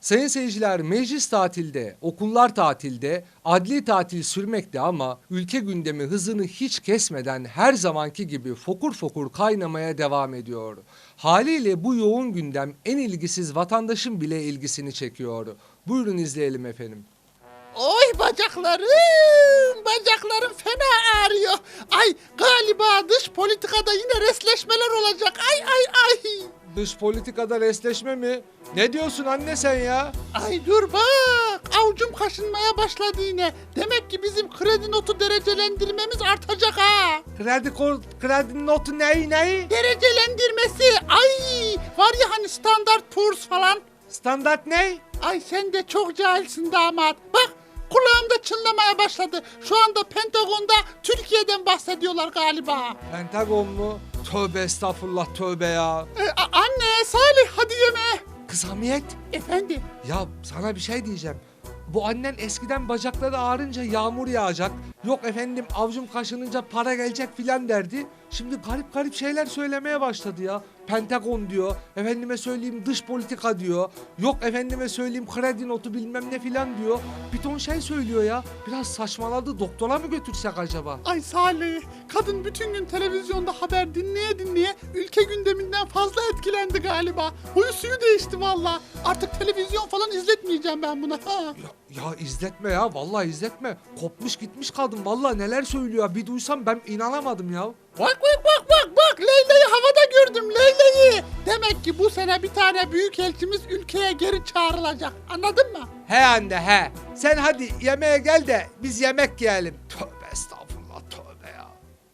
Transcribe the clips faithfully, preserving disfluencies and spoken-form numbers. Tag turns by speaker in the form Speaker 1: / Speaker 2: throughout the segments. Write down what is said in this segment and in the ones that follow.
Speaker 1: Sayın seyirciler, meclis tatilde, okullar tatilde, adli tatil sürmekte ama ülke gündemi hızını hiç kesmeden her zamanki gibi fokur fokur kaynamaya devam ediyor. Haliyle bu yoğun gündem en ilgisiz vatandaşın bile ilgisini çekiyor. Buyurun izleyelim efendim.
Speaker 2: Oy bacaklarım, bacaklarım fena ağrıyor. Ay galiba dış politikada yine resleşmeler olacak. Ay ay ay.
Speaker 1: Dış politikada resleşme mi? Ne diyorsun anne sen ya?
Speaker 2: Ay dur bak, avucum kaşınmaya başladı yine. Demek ki bizim kredi notu derecelendirmemiz artacak ha.
Speaker 1: Kredi kod, kredi notu neyi neyi?
Speaker 2: Derecelendirmesi, ay var ya hani Standard Poor's falan.
Speaker 1: Standart ne?
Speaker 2: Ay sen de çok cahilsin damat. Bak kulağımda çınlamaya başladı. Şu anda Pentagon'da Türkiye'den bahsediyorlar galiba.
Speaker 1: Pentagon mu? Tövbe estağfurullah tövbe ya.
Speaker 2: Ee, a- anne Salih hadi yeme.
Speaker 1: Kız Hamiyet.
Speaker 2: Efendim?
Speaker 1: Ya sana bir şey diyeceğim. Bu annen eskiden bacakları ağrınca yağmur yağacak. Yok efendim avcum kaşınınca para gelecek filan derdi. Şimdi garip garip şeyler söylemeye başladı ya. Pentagon diyor. Efendime söyleyeyim dış politika diyor. Yok efendime söyleyeyim kredi notu bilmem ne filan diyor. Bir ton şey söylüyor ya. Biraz saçmaladı. Doktora mı götürsek acaba?
Speaker 2: Ay Salih, kadın bütün gün televizyonda haber dinleye dinleye ülke gündeminden fazla etkilendi galiba. Huyu suyu değişti valla. Artık televizyon falan izletmeyeceğim ben buna. Ha.
Speaker 1: Ya, ya izletme ya. Vallahi izletme. Kopmuş gitmiş kadın. Vallahi neler söylüyor. Bir duysam ben inanamadım ya.
Speaker 2: Bak bak bak bak bak Leyla'yı havada gördüm Leyla'yı. Demek ki bu sene bir tane büyükelçimiz ülkeye geri çağrılacak. Anladın mı?
Speaker 1: He anne he. Sen hadi yemeğe gel de biz yemek yiyelim. Tövbe estağfurullah tövbe ya.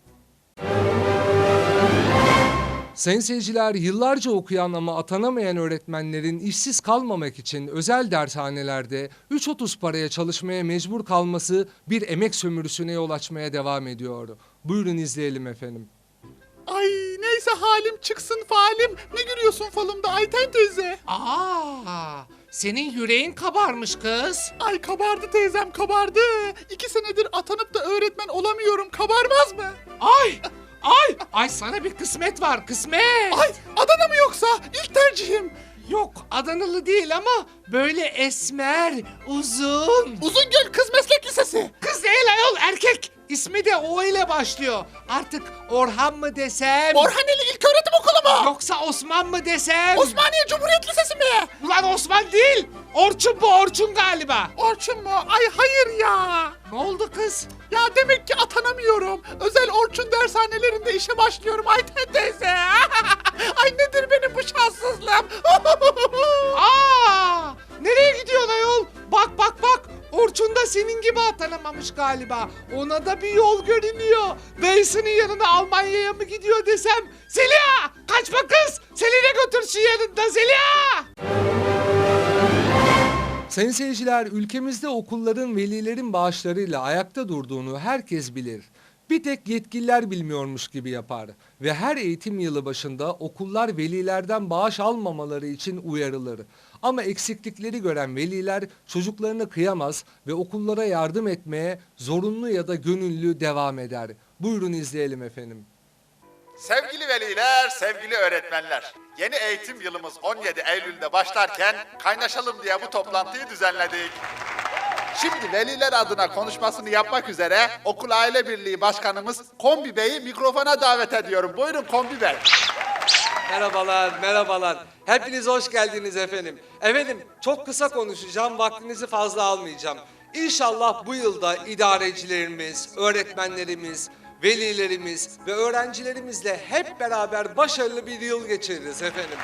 Speaker 1: Sayın seyirciler, yıllarca okuyan ama atanamayan öğretmenlerin işsiz kalmamak için özel dershanelerde üç otuz paraya çalışmaya mecbur kalması bir emek sömürüsüne yol açmaya devam ediyor. Buyurun izleyelim efendim.
Speaker 2: Ay neyse halim çıksın falim. Ne gülüyorsun falımda Ayten teyze?
Speaker 3: Aa, senin yüreğin kabarmış kız.
Speaker 2: Ay kabardı teyzem kabardı. İki senedir atanıp da öğretmen olamıyorum. Kabarmaz mı?
Speaker 3: Ay, ay, ay sana bir kısmet var, kısmet.
Speaker 2: Ay Adana mı yoksa? İlk tercihim.
Speaker 3: Yok, Adanalı değil ama böyle esmer, uzun.
Speaker 2: Uzungöl Kız Meslek Lisesi.
Speaker 3: Kız değil ayol, erkek. İsmi de O ile başlıyor. Artık Orhan mı desem?
Speaker 2: Orhaneli İlköğretim Okulu mu?
Speaker 3: Yoksa Osman mı desem?
Speaker 2: Osmaniye Cumhuriyet Lisesi mi?
Speaker 3: Ulan Osman değil. Orçun bu, Orçun galiba.
Speaker 2: Orçun mu? Ay hayır ya.
Speaker 3: Ne oldu kız?
Speaker 2: Ya demek ki atanamıyorum. Özel Orçun dershanelerinde işe başlıyorum Ayten teyze. Ay nedir benim bu şanssızlığım?
Speaker 3: Aa! Nereye gidiyorsun ayol? Bak bak bak. Orçun da senin gibi atanamamış galiba. Ona da bir yol görünüyor. Dayısının yanına Almanya'ya mı gidiyor desem? Zeliha! Kaçma kız! Selin'e götürsün yanında Zeliha!
Speaker 1: Sayın seyirciler, ülkemizde okulların velilerin bağışlarıyla ayakta durduğunu herkes bilir. Bir tek yetkililer bilmiyormuş gibi yapar ve her eğitim yılı başında okullar velilerden bağış almamaları için uyarılır. Ama eksiklikleri gören veliler çocuklarını kıyamaz ve okullara yardım etmeye zorunlu ya da gönüllü devam eder. Buyurun izleyelim efendim.
Speaker 4: Sevgili veliler, sevgili öğretmenler. Yeni eğitim yılımız on yedi Eylül'de başlarken kaynaşalım diye bu toplantıyı düzenledik. Şimdi veliler adına konuşmasını yapmak üzere Okul Aile Birliği Başkanımız Kombi Bey'i mikrofona davet ediyorum. Buyurun Kombi Bey.
Speaker 1: Merhabalar, merhabalar. Hepiniz hoş geldiniz efendim. Efendim çok kısa konuşacağım, vaktinizi fazla almayacağım. İnşallah bu yılda idarecilerimiz, öğretmenlerimiz, velilerimiz ve öğrencilerimizle hep beraber başarılı bir yıl geçiririz efendim.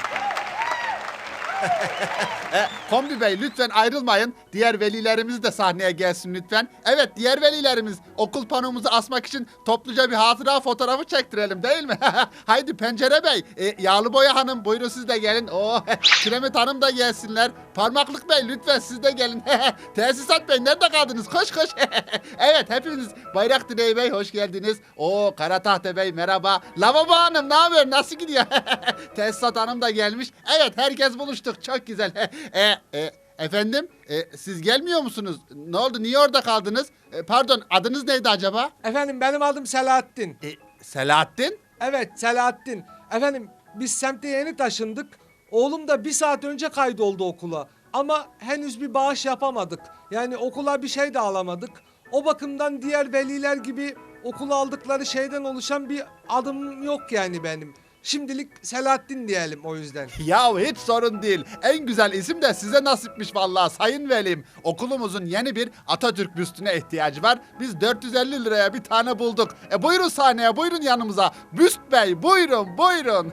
Speaker 4: E, Kombi Bey lütfen ayrılmayın. Diğer velilerimiz de sahneye gelsin lütfen. Evet diğer velilerimiz okul panomuzu asmak için topluca bir hatıra fotoğrafı çektirelim değil mi? Haydi Pencere Bey, e, Yağlı Boya Hanım buyurun siz de gelin. Oo, Kiremit Hanım da gelsinler. Parmaklık Bey lütfen siz de gelin. Tesisat Bey nerede kaldınız? Koş koş. Evet hepiniz Bayraktıray Bey hoş geldiniz. Oo Karatahta Bey merhaba. Lavabo Hanım ne haber? Nasıl gidiyor? Tesisat Hanım da gelmiş. Evet herkes buluştuk. Çok güzel. e, e, efendim e, siz gelmiyor musunuz? Ne oldu? Niye orada kaldınız? E, pardon adınız neydi acaba?
Speaker 1: Efendim benim adım Selahattin.
Speaker 4: E, Selahattin?
Speaker 1: Evet Selahattin. Efendim biz semte yeni taşındık. Oğlum da bir saat önce kaydoldu okula. ama henüz bir bağış yapamadık. Yani okula bir şey de alamadık. O bakımdan diğer veliler gibi okula aldıkları şeyden oluşan bir adım yok yani benim. Şimdilik Selahattin diyelim o yüzden.
Speaker 4: Ya hiç sorun değil. En güzel isim de size nasipmiş vallahi sayın velim. Okulumuzun yeni bir Atatürk büstüne ihtiyacı var. Biz dört yüz elli liraya bir tane bulduk. E buyurun sahneye, buyurun yanımıza. Büst Bey, buyurun, buyurun.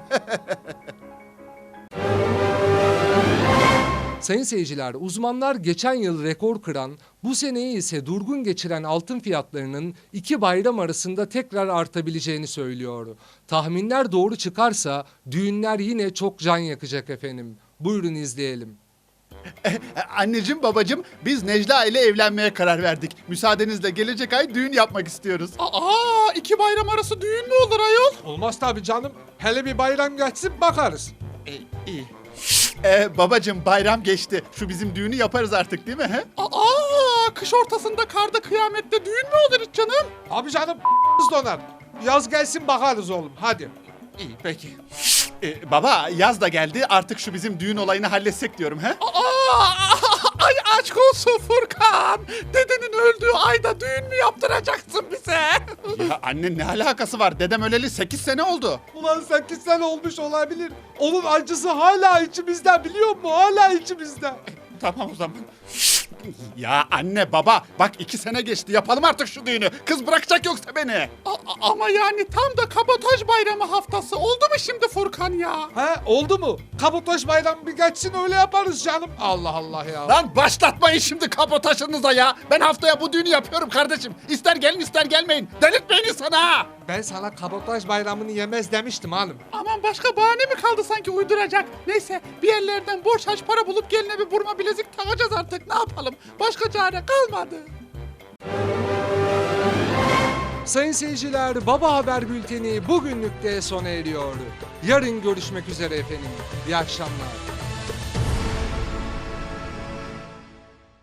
Speaker 1: Sayın seyirciler, uzmanlar geçen yıl rekor kıran, bu seneyi ise durgun geçiren altın fiyatlarının iki bayram arasında tekrar artabileceğini söylüyor. Tahminler doğru çıkarsa düğünler yine çok can yakacak efendim. Buyurun izleyelim.
Speaker 4: E, Anneciğim, babacığım, biz Necla ile evlenmeye karar verdik. Müsaadenizle gelecek ay düğün yapmak istiyoruz.
Speaker 2: Aa, iki bayram arası düğün mü olur ayol?
Speaker 1: Olmaz tabii canım. Hele bir bayram geçsin bakarız.
Speaker 4: E, iyi. E, babacığım, bayram geçti. Şu bizim düğünü yaparız artık değil mi? He?
Speaker 2: Aa, kış ortasında karda kıyamette düğün mü olur hiç canım?
Speaker 1: Abi canım donar. Yaz gelsin bakarız oğlum hadi.
Speaker 4: İyi, peki. E, baba, yaz da geldi. Artık şu bizim düğün olayını halletsek diyorum. He?
Speaker 2: Aa, ay aşk olsun Furkan. Dedenin öldüğü ayda düğün mü yaptıracaksın bize?
Speaker 4: Ya anne, ne alakası var? Dedem öleli sekiz sene oldu.
Speaker 1: Ulan sekiz sene olmuş olabilir. Onun acısı hala içimizde biliyor musun? Hala içimizde.
Speaker 4: Tamam o zaman. Ya anne, baba, bak iki sene geçti. Yapalım artık şu düğünü. Kız bırakacak yoksa beni.
Speaker 2: A- ama yani tam da kabotaj bayramı haftası. Oldu mu şimdi Furkan ya?
Speaker 1: He oldu mu? Kabotaj bayramı bir geçsin öyle yaparız canım. Allah Allah ya.
Speaker 4: Lan başlatmayın şimdi kabotajınıza ya. Ben haftaya bu düğünü yapıyorum kardeşim. İster gelin ister gelmeyin. Delirtmeyin insanı ha.
Speaker 1: Ben sana kabotaj bayramını yemez demiştim hanım.
Speaker 2: Aman başka bahane mi kaldı sanki uyduracak? Neyse bir yerlerden borç harç para bulup geline bir burma bilezik takacağız artık. Ne yapalım? Başka çare kalmadı.
Speaker 1: Sayın seyirciler, Baba Haber Bülteni bugünlük de sona eriyor. Yarın görüşmek üzere efendim. İyi akşamlar.